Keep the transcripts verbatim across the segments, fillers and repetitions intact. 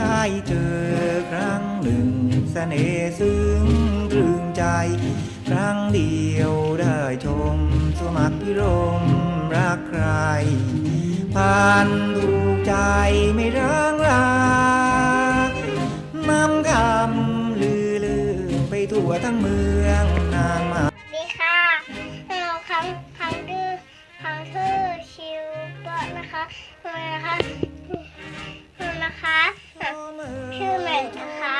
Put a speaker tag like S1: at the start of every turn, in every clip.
S1: ได้เจอครั้งหนึ่งเสน่ห์ซึ้งตรึงใจครั้งเดียวได้ชมสมัครพิรมรักใครผ่านถูกใจไม่ร้างราน้ำคำลือลือไปทั่วทั้งเมืองนางมา
S2: ดีค่ะเราคำคำดื้อคำชื่อชิวเบอร์นะคะนะคะนะคะชื่อเหม่งนะคะ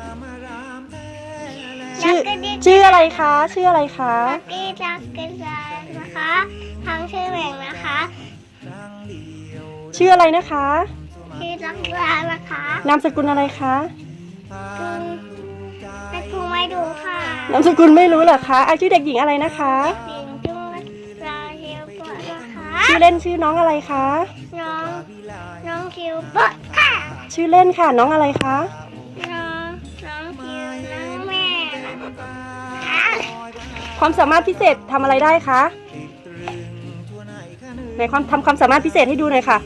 S3: ชื่อชื่ออะไรคะชื่ออะไรคะ
S2: ลักกี้ลักกี้ไลนะคะทางชื่อเหม่งนะคะ
S3: ชื่ออะไรนะคะ
S2: ชื่อลักกี้ไลนะคะ
S3: นามสกุลอะไรคะ
S2: ไม่ครูไม่ดูค่ะ
S3: นามสกุลไม่รู้เหรอคะอาชื่อเด็กหญิงอะไรนะคะ
S2: เด็กจุ้งลาเชียวเบอร์นะคะ
S3: ชื่อเล่นชื่อน้องอะไรคะ
S2: น้องน้องคิวเบอร์ค่ะ
S3: ชื่อเล่นค่ะน้องอะไรคะ
S2: น้องน้องคิวน้องแม่
S3: ความสามารถพิเศษทำอะไรได้คะไหนความทำความสามารถพิเศษให้ดูหน่อยค่ะ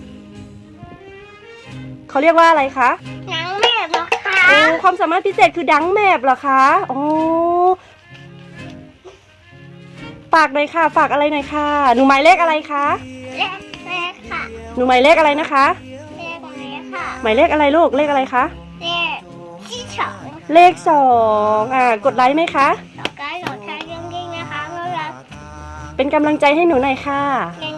S3: เขาเรียกว่าอะไรคะ
S2: น้องแม่บอกค่ะ
S3: โอ้ความสามารถพิเศษคือดังแมบเหรอคะโอ้ฝากหน่อยค่ะฝากอะไรหน่อยค่ะหนูหมายเลขอะไรคะ
S2: เลขเลขค่ะ
S3: หนูหมายเลขอะไรนะคะ
S2: เลขไหนค่ะ
S3: หมายเลขอะไรลูกเลขอะไรคะ
S2: เลขที่สอง
S3: เลขสองอ่ากดไลค์ไหมคะ
S2: ต่อการหลอดทางยิ่งๆนะคะเมื่อเรา
S3: เป็นกำลังใจให้หนูหน่อยค่ะ
S2: เป็น